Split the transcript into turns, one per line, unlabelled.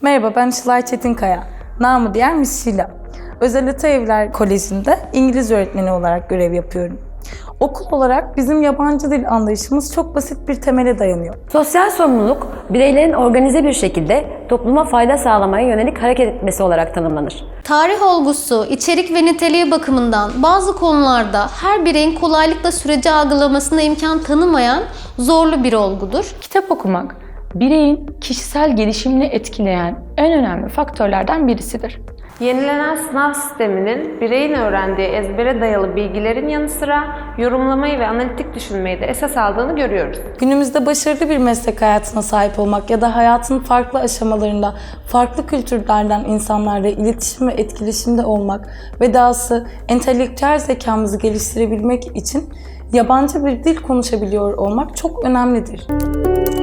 Merhaba, ben Işılay Çetinkaya. Namı diğer Miss Şila. Özel Atölyeler Koleji'nde İngiliz öğretmeni olarak görev yapıyorum. Okul olarak bizim yabancı dil anlayışımız çok basit bir temele dayanıyor.
Sosyal sorumluluk, bireylerin organize bir şekilde topluma fayda sağlamaya yönelik hareket etmesi olarak tanımlanır.
Tarih olgusu, içerik ve niteliği bakımından bazı konularda her bireyin kolaylıkla süreci algılamasına imkan tanımayan zorlu bir olgudur.
Kitap okumak, bireyin kişisel gelişimini etkileyen en önemli faktörlerden birisidir.
Yenilenen sınav sisteminin bireyin öğrendiği ezbere dayalı bilgilerin yanı sıra yorumlamayı ve analitik düşünmeyi de esas aldığını görüyoruz.
Günümüzde başarılı bir meslek hayatına sahip olmak ya da hayatın farklı aşamalarında farklı kültürlerden insanlarla iletişim ve etkileşimde olmak ve dahası entelektüel zekamızı geliştirebilmek için yabancı bir dil konuşabiliyor olmak çok önemlidir.